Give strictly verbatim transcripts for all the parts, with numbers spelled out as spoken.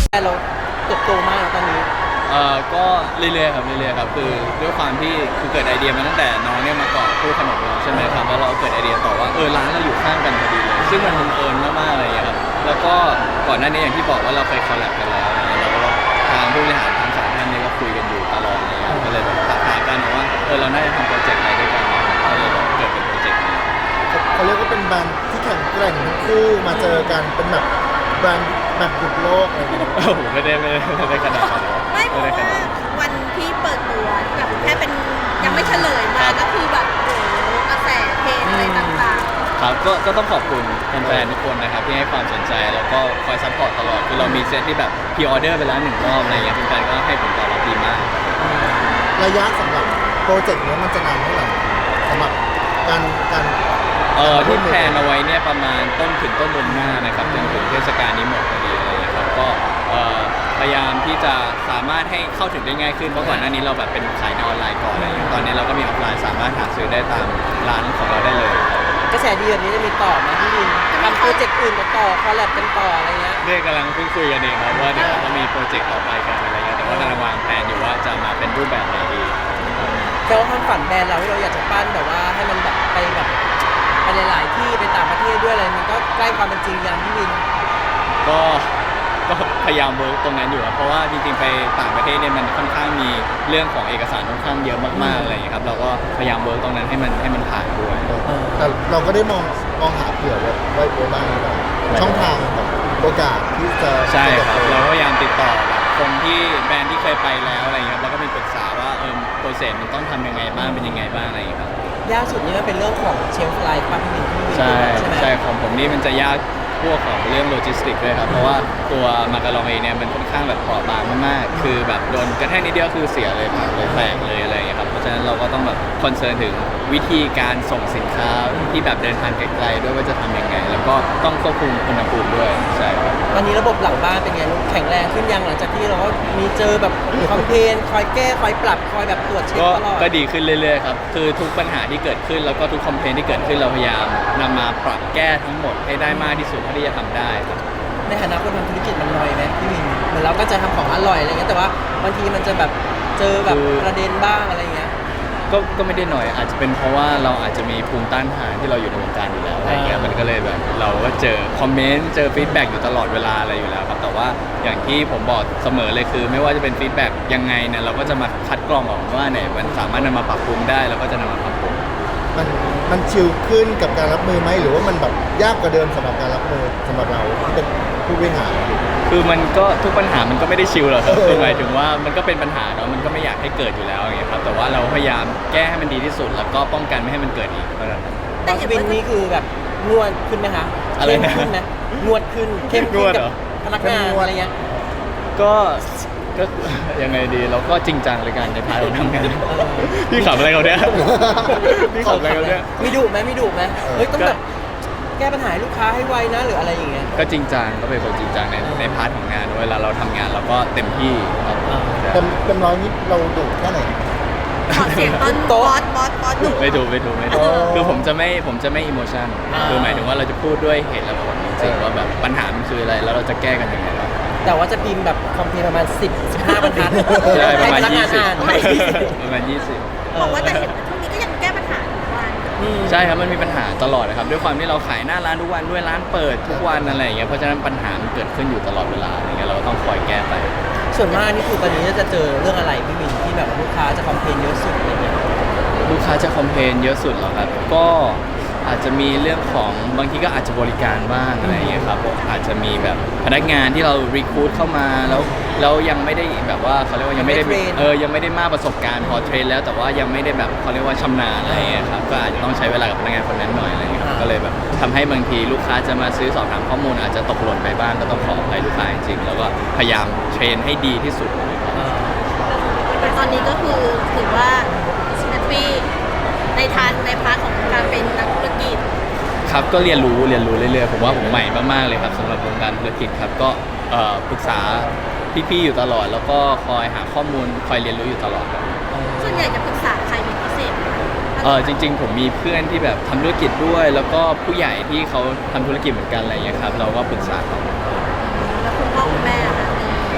เราเติบโตมากตอนนี้เอ่อก็เรื่อยๆครับเรื่อยๆครับคือด้วยความที่คือเกิดไอเดียมาตั้งแต่น้องเนี่ยมาก่อนพูดขนมเราใช่ไหมครับแล้วเราเกิดไอเดียต่อว่าเออร้านเราอยู่ข้างกันพอดีเลยซึ่งมันบังเอิญมากๆอะไรอย่างเงี้ยครับแล้วก็ก่อนหน้านี้อย่างที่บอกว่าเราเคยคอลแลบกันแล้วอะไรเงี้ยเราก็ทางผู้บริหารทั้งสองท่านเนี่ยก็คุยกันอยู่ตลอดเลยครับก็เลยแบบทักหากันว่าเออเราน่าจะทำโปรเจกต์อะไรด้วยกันเนี่ยก็เลยแบบเกิดเป็นโปรเจกต์นี้เขาเรียกว่าเป็นแบรนด์ที่แข่งแกร่งทั้งคู่มาเจอกันเป็นแบบแบรนด์แบบหยุดโลกอะไรอย่างเงี้ยโอ้โหไม่ได้ไม่ได้ไม่ได้ขนาดนั้นไม่เพราะด้ขว่านาดนั้นวันที่เปิดตัวแบบแค่เป็นยังไม่เฉลยมาก็คือแบบโอ้โหกระแสเพลงอะไรต่างครับก็ก็ต้องขอบคุณแฟนๆทุกคนนะครับที่ให้ความสนใจแล้วก็คอยซัพพอร์ตตลอดคือเรามีเซตที่แบบพรีออเดอร์ไปแล้วหนึ่งรอบอะไรเงี้ยแฟนๆก็ให้ผลตอบรับดีมากระยะสำหรับโปรเจกต์นี้มันจะนานเท่าไหร่สำหรับการการเอ่อที่แพลนเอาไว้เนี่ยประมาณต้นถึงต้นเดือนหน้านะครับจนถึงเทศกาลนี้หมดพอดีอะไรเงี้ยครับก็เอ่อพยายามที่จะสามารถให้เข้าถึงได้ง่ายขึ้นเพราะก่อนหน้านี้เราแบบเป็นขายในออนไลน์ก่อนอะไรเงี้ยตอนนี้เราก็มีออฟไลน์สามารถหาซื้อได้ตามร้านของเราได้เลยกระแสดีแบบนี้จะมีต่อไหมพี่วินทำโปรเจกต์อื่นต่อคอลแลบกันต่ออะไรเงี้ยเนี่ยกำลังเพิ่งคุยกันเองครับว่าเดี๋ยวเราก็มีโปรเจกต์ต่อไปกันอะไรเงี้ยแต่ว่ากำลังวางแผนอยู่ว่าจะมาเป็นรูปแบบไหนดีแต่ว่าความฝันแบรนด์เราที่เราอยากจะปั้นแบบว่าให้มันแบบไปแบบไปหลายๆที่ไปต่างประเทศด้วยอะไรมันก็ใกล้ความเป็นจริงยังพี่วินก็ก็พยายามเวิร์กตรงนั้นอยู่ครับเพราะว่าจริงๆไปต่างประเทศเนี่ยมันค่อนข้างมีเรื่องของเอกสารค่อนข้างเยอะมากๆอะไรอย่างเงี้ยครับเราก็พยายามเวิร์กตรงนั้นให้มันให้มันผ่านด้วยแต่เราก็ได้มองมองหาเผื่อไว้ไว้ไว้บ้างหรือเปล่าช่องทางแบบโอกาสที่จะใช่ครับจะเราก็พยายามติดต่อแบบคนที่แบรนด์ที่เคยไปแล้วอะไรอย่างเงี้ยครับแล้วก็มีปรึกษาว่าเออโปรเซสมันต้องทำยังไงบ้างเป็นยังไงบ้างอะไรอย่างเงี้ยครับยากสุดนี่มันเป็นเรื่องของเชลฟ์ไลฟ์ป่ะพี่วินพี่วินใช่ใช่ไหมใช่ของผมนี่มันจะยากพวกของเรื่องโลจิสติกด้วยครับเพราะว่าตัวมาการองเองเนี่ยมันค่อนข้างแบบเปราะบางมากๆคือแบบโดนกระแทกนิดเดียวคือเสียเลยพังเลยแตกเลยอะไรอย่างเงี้ยครับเพราะฉะนั้นเราก็ต้องแบบคอนเซิร์นถึงวิธีการส่งสินค้าที่แบบเดินทางไกลๆด้วยว่าจะทำยังไง แล้วก็ต้องควบคุมอุณหภูมิด้วยใช่ครับตอนนี้ระบบหลังบ้านเป็นไงลูกแข็งแรงขึ้นยังหลังจากที่เราก็มีเจอแบบคอมเพลนคอยแก้คอยปรับคอยแบบตรวจเช็คก็ตลอดก็ดีขึ้นเรื่อยๆครับ คือทุกปัญหาที่เกิดขึ้นแล้วก็ทุกคอมเพลนที่เกิดขึ้นเราพยายามนำมาปรับแก้ทั้งหมดให้ได้มากที่สุดเท่าที่จะทำได้ครับในฐานะคนทำธุรกิจมันน้อยไหมพี่วินเหมือนเราก็จะทำของอร่อยอะไรเงี้ยแต่ว่าบางทีมันจะแบบเจอแบบประเด็นบ้างอะไรเงี้ยก็ก็ไม่ได้หน่อยอาจจะเป็นเพราะว่าเราอาจจะมีภูมิต้านทานที่เราอยู่ในวงการอยู่แล้วอะไรเงี้ยมันก็เลยแบบเราก็เจอคอมเมนต์เจอฟีดแบ็กอยู่ตลอดเวลาอะไรอยู่แล้วครับแต่ว่าอย่างที่ผมบอกเสมอเลยคือ ไม่ว่าจะเป็นฟีดแบ็กยังไงเนี่ยเราก็จะมาคัดกรองออกว่าเนี่ยมันสามารถนำมาปรับปรุงได้เราก็จะนำมาปรับปรุงมันมันชิลขึ้นกับการรับมือไหมหรือว่ามันแบบยากกว่าเดิมสำหรับการรับมือสำหรับเราที่เป็นผู้บริหารคือมันก็ทุกปัญหามันก็ไม่ได้ชิลหรอกครับเออคือหมายถึงว่ามันก็เป็นปัญหาเนาะมันก็ไม่อยากให้เกิดอยู่แล้วอย่างเงี้ยครับแต่ว่าเราพยายามแก้ให้มันดีที่สุด แล้วก็ป้องกันไม่ให้มันเกิดอีกเท่านั้นๆตแต่อนเห็ชีนวิตว่านี้คือแบบงวดขึ้นไหมคะอะไรนะเข้มขึ้นไหมงวดขึ้นเข้มงขึ้นวดกัเหรอพนักงานอะไรเงี้ยก็ก็ ยังไงดีเราก็จริงจังเลยกันในพาร์ทของทำงานพี่ขับอะไรเขาเนี่ยพี่ขับอะไรเขาเนี่ยมีดุไหมมีดุไหมเฮ้ยต้องแบบแก้ปัญหาให้ลูกค้าให้ไวนะหรืออะไรอย่างเงี้ยก็จริงจังก็เป็นคนจริงจังในในพาร์ทของงานเวลาเราทำงานเราก็เต็มที่ครับเต็มเต็มร้อยนี้เราดุแค่ไหนขอเสียงตอนบอสบอสบอสหนุ่มไม่ดูไม่ดูไม่ดูอ๋อคือผมจะไม่ผมจะไม่อิโมชันคือหมายถึงว่าเราจะพูดด้วยเหตุและผลจริงๆว่าแบบปัญหามันคืออะไรแล้วเราจะแก้กันยังไงบ้างแต่ว่าจะพิมพ์แบบคอมเพลนประมาณสิบ สิบห้าบรรทัดใช่ประมาณให้พนักยี่งานสิบอ่านประมาณยี่สิบบอกว่าแต่เห็นว่าช่วงนี้ก็ยังแก้ปัญหาทุกวันอืมใช่ครับมันมีปัญหาตลอดนะครับด้วยความที่เราขายหน้าร้านทุกวันด้วยร้านเปิดทุกวันอะไรอย่างเงี้ยเพราะฉะนั้นปัญหามันเกิดขึ้นอยู่ตลอดเวลาอย่างเงี้ยเราก็ต้องคอยแก้ไปส่วนมากนี่คือตอนนี้จะเจอเรื่องอะไรพี่วินที่แบบลูกค้าจะคอมเพลนเยอะสุดอะไรเงี้ยลูกค้าจะคอมเพลนเยอะสุดเหรอครับก็อาจจะมีเรื่องของบางทีก็อาจจะบริการบ้างอะไรอย่างเงี้ยครับอาจจะมีแบบพนักงานที่เรารีคูดเข้ามาแล้วแล้วยังไม่ได้แบบว่าเขาเรียกว่ายังไม่ได้ยังไม่เทรนเออยังไม่ได้มากประสบการณ์พอเทรนแล้วแต่ว่ายังไม่ได้แบบเขาเรียกว่าชำนาญอะไรอย่างเงี้ยครับก็อาจจะต้องใช้เวลากับพนักงานคนนั้นหน่อยอะไรอย่างเงี้ยครับก็เลยแบบทำให้บางทีลูกค้าจะมาซื้อสอบถามข้อมูลอาจจะตกหล่นไปบ้างก็ต้องขออภัยลูกค้าจริงๆแล้วก็พยายามเทรนให้ดีที่สุดแต่ตอนนี้ก็คือถือว่าแฮปปี้ในทางในพาร์ทของการเป็นนักธุรกิจครับก็เรียนรู้เรียนรู้เรื่อยๆผมว่าผมใหม่มากๆเลยครับสำหรับวงการธุรกิจครับก็เอ่อปรึกษาพี่ๆอยู่ตลอด แล้วก็คอยหาข้อมูลคอยเรียนรู้อยู่ตลอดครับส่วนใหญ่จะปรึกษาใครเป็นพิเศษไหมเออจริง ๆ ผมมีเพื่อนที่แบบทำธุรกิจด้วย แล้วก็ผู้ใหญ่ที่เขาทำธุรกิจเหมือนกันอะไรอย่างเงี้ยครับเราก็ปรึกษาเขาแล้วคุณพ่อคุณแม่อะคะ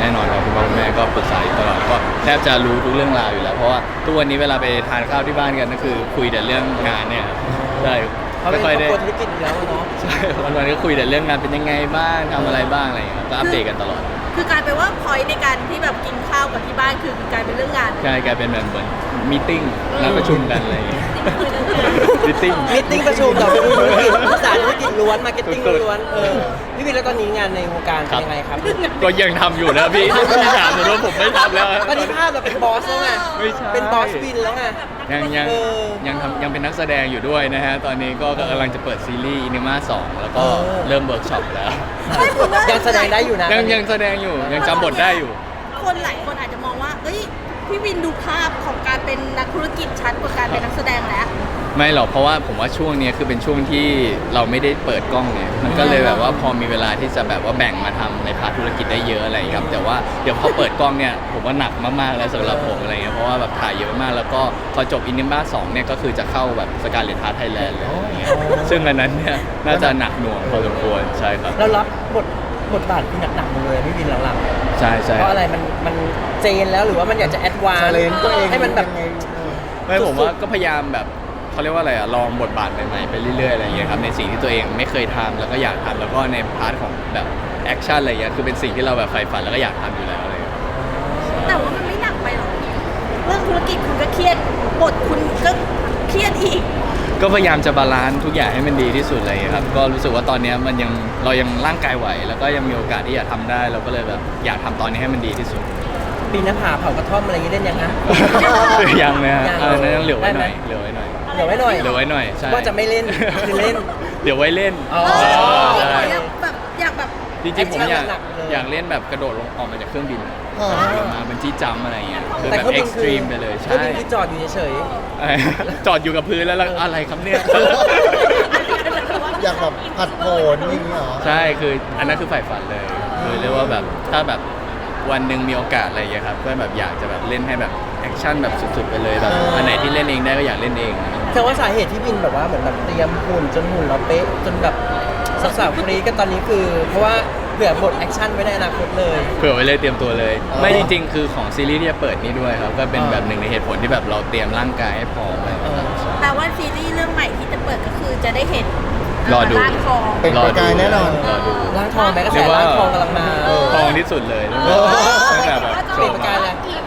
น่นอนครับคุณพ่อคุณแม่ก็ปรึกษาอยู่ตลอดก็แทบจะรู้ทุกเรื่องราวอยู่แล้วเพราะว่าทุกวันนี้เวลาไปทานข้าวที่บ้านกันก็คือคุยแต่เรื่องงานเนี่ยครับใช่เขาเป็ไม่นครค่ออบ ยได้ครัวธุรกิจอยู่แล้วเนาะใช่วันๆก็คุยแต่เรื่องงานเป็นยังไงบ้างทำอะไรบ้างอะไรอย่างเงี้ยก็อัปเดตกันตลอดคือกลายเป็นว่าพอยในการที่แบบกินข้าวกับที่บ้านคือกลายเป็นเรื่องงานใช่กลายเป็นแบบเหมือนมีติ้งนัดประชุมกันอะไรอย่างเงี้ยมีติ้งมิทติ้งประชุมต่อไปดูธุรกิจภาษาธุรกิจล้วนมาร์เก็ตติ้งล้วนเออพี่วินแล้วตอนนี้งานในวงการเป็นยังไงครับก็ยังทำอยู่นะพี่พี่ถามผมว่าผมไม่ทำแล้วตอนนี้ภาพเราเป็นบอสแล้วไงไม่ใช่เป็นบอสวินแล้วไงยังยังเออยังทำยังเป็นนักแสดงอยู่ด้วยนะฮะตอนนี้ก็กำลังจะเปิดซีรีส์อินิมาสองแล้วก็เออเริ่มเวิร์กช็อปแล้วยังแสดงได้อยู่นะยังยังแสดงอยู่ยังจำบทได้อยู่คนหลายคนอาจจะมองว่าเอ้ยพี่วินดูภาพของการเป็นนักธุรกิจชัดกว่าการเป็นนักแสดงแล้วไม่หรอกเพราะว่าผมว่าช่วงเนี้ยคือเป็นช่วงที่เราไม่ได้เปิดกล้องเนี่ยมันก็เลยแบบว่าพอมีเวลาที่จะแบบว่าแบ่งมาทำในพาร์ทธุรกิจได้เยอะอะไรอย่างเงี้ยครับแต่ว่าเดี๋ยวพอเปิดกล้องเนี่ยผมว่าหนักมากๆแล้วสำหรับผมอะไรเงี้ยเพราะว่าแบบถ่ายเยอะมากแล้วก็พอจบอินนิมาสองเนี่ยก็คือจะเข้าแบบสการ์เลตฮาร์ทไทยแลนด์เลยอะไรเงี้ยซึ่งอันนั้นเนี่ยน่าจะหนักหน่วงพอสมควรใช่ครับเรารับบทบทบาทที่หนักๆหมดเลยพี่วินหลังใช่ๆใช่เพราะอะไรมันมันเจนแล้วหรือว่ามันอยากจะแอดวานชาเลนตัวเองให้มันแบบยังไงเออไม่ผมว่าก็พยายามแบบเขาเรียกว่าอะไรอะลองบทบาทใหม่ๆไปเรื่อยๆอะไรอย่างเงี้ยครับในสิ่งที่ตัวเองไม่เคยทำแล้วก็อยากทำแล้วก็ในพาร์ทของแบบแอคชั่นอะไรเงี้ยคือเป็นสิ่งที่เราแบบใฝ่ฝันแล้วก็อยากทำอยู่แล้วอะไรเงี้ยแต่ว่ามันไม่หนักไปหรอกเรื่องธุรกิจคุณก็เครียดบทคุณก็เครียดอีกก็พยายามจะบาลานซ์ทุกอย่างให้มันดีที่สุดอะไรอย่างเลยครับก็รู้สึกว่าตอนเนี้ยมันยังเรายังร่างกายไหว แล้วก็ยังมีโอกาสที่จะทำได้เราก็เลยแบบอยากทำตอนนี้ให้มันดีที่สุดปีนหน้าผาเผากระท่อมอะไรอย่างงี้เล่นยังฮะยังนะฮะยังเออนั่นยังเหลือไว้หน่อยได้ไหมเหลือไว้หน่อยเดี๋ยวไว้หน่อยเหลือไว้หน่อยใช่ว่าจะไม่เล่นคือเล่นเดี๋ยวไว้เล่นอ๋อเออใช่อยากแบบอยากแบบจริงๆผมอยากหนักๆเลยอยากเล่นแบบกระโดดลงออกมาจากเครื่องบินอ๋อลงมาบันจี้จัมป์อะไรอย่างเงี้ยคือแต่แบบเครื่องเอ็บิกนซ์คืตอรีมไปเลยเครื่อใช่งบินคือจอดอยู่เฉยเออจอดอยู่กับพื้นแล้วแล้วอะไรครับเนี่ยอยากแบบผัดโผนอย่างนี้เหรอใช่คืออันนั้นคือใฝ่ฝันเลยคือเรียกว่าแบบถ้าแบบวันหนึ่งมีโอกาสอะไรอย่างเงี้ยครับก็แบบอยากจะแบบเล่นให้แบบแอคชั่นแบบสุดๆไปเลยแบบอันไหนที่เล่นเองได้ก็อยากเล่นเองๆแต่ว่าสาเหตุที่บินแบบว่าเหมือนแบบเตรียมหุ่นจนหุ่นเราเป๊ะจนแบบสาวๆคนนี้ก็ตอนนี้คือ เพราะว่าเผื่อบทแอคชั่นไว้ในอนาคตเลยเผื่อไว้เลยเตรียมตัวเลยอ๋อไม่จริงๆ คือของซีรีส์ที่จะเปิดนี่ด้วยครับก็เป็นอ่าแบบหนึ่งในเหตุผลที่แบบเราเตรียมร่างกายให้พร้อมอะไรอย่างเงี้ยครับใช่แต่ว่าซีรีส์เรื่องใหม่ที่จะเปิดก็คือจะได้เห็นรอดูร่างทองเป็นประกายแน่นอนรอดูร่างทองแม้กระแสเรียกว่าร่างทองกำลังมาเออทองที่สุดเลยเออตั้งแต่แบบเปลี่ยนประกายเลย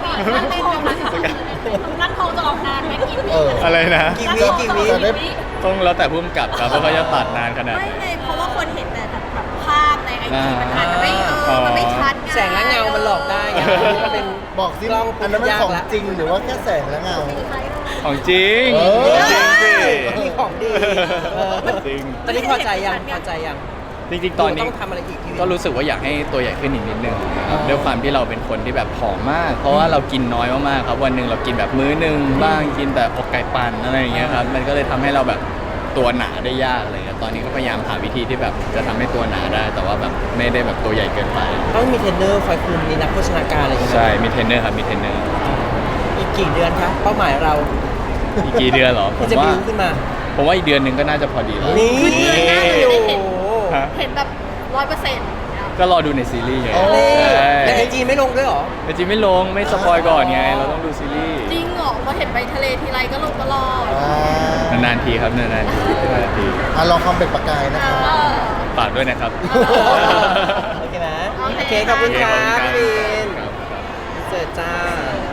ร่างทองจะออกนานไหมกี่ปีเอออะไรนะกี่วิกี่วิจะได้ต้องแล้วแต่ผู้กำกับครับว่าเขาจะตัดนานขนาดไม่ไหนไงเพราะว่าคนเห็นแต่แบบภาพในไอจีมันอาจจะไม่เออมันไม่ชัดไแสงและเงามันหลอกได้ไงมันเป็นบอกสิกล้องอันนั้นมันยากของละจริงหรือว่าแค่แสงและเงาของจริงเออจริงสิมีของดีเออจริงตอนนี้พอใจยังพอใจยังจริงๆ ตอนนี้ต้องทำอะไรอีกพี่วินก็รู้สึกว่าอยากให้ตัวใหญ่ขึ้นอีกนิดนึงนะครับด้วยความที่เราเป็นคนที่แบบผอมมาก เพราะว่าเรากินน้อยมากๆครับวันหนึ่งเรากินแบบมื้อหนึ่งบ้างกินแต่อกไก่ปั่นอะไรอย่างเงี้ยครับมันก็เลยทำให้เราแบบตัวหนาได้ยากอะไรเงี้ยตอนนี้ก็พยายามหาวิธีที่แบบจะทำให้ตัวหนาได้ แต่ว่าแบบไม่ได้แบบตัวใหญ่เกินไปต้องมีเทรนเนอร์คอยคุมมีนักโภชนาการอะไรอย่างเงี้ยใช่มีเทรนเนอร์ครับมีเทรนเนอร์อีกกี่เดือนคะเป้าหมายเราอีกกี่เดือนเหรอผที่มจะว่าบิวขึ้นมาผมว่าอีกเดือนหนึ่งก็น่าจะพอดีแล้วนี่คือเดือนหน้าจะได้เห็นโอ้โหฮะเห็นแบบร้อยเปอร์เซ็นต์ก็รอดูในซีรีส์ไงโอ้นี่ใช่แต่ไอจีไม่ลงด้วยเหรอแต่จริงไม่ลงไม่สปอยก่อนไงเราต้องดูซีรีส์จริงเหรอพอเห็นไปทะเลทีไรก็ลงตลอดอ่านานๆทีครับนานๆทีนานๆทีอ่ะลองความเป็นประกายนะครับเออฝากด้วยนะครับโอเคไหมโอเคโอเคขอบคุณครับโอเคพี่วินครับเสิร์ฟจ้า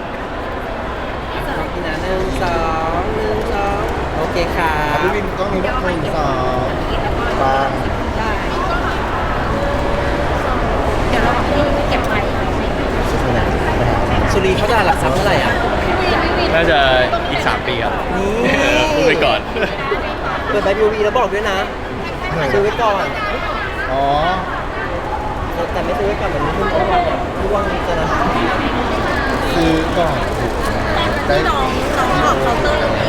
ขอบคุณนะหนึ่งสองหนึ่งสองโอเคครัอ่ะบพี่วินกล้องนี้นะหนึ่งสองบางเดี๋ยวเราพี่เก็บไว้สุรีเขาจะหลักทรัพย์เท่าไหร่อ่ะน่าจะอีก สาม ปีครับนี่เออพูดไปก่อนเปิดใบบิววีแล้วบอกด้วยนะซื้อไว้ก่อนอ๋อแต่ไม่ซื้อไว้ก่อนแบบนี้หุ้นเขาวันแบบร่วงจะนะซื้อก่อนได้น้องน้องบอกเคาน์เตอร์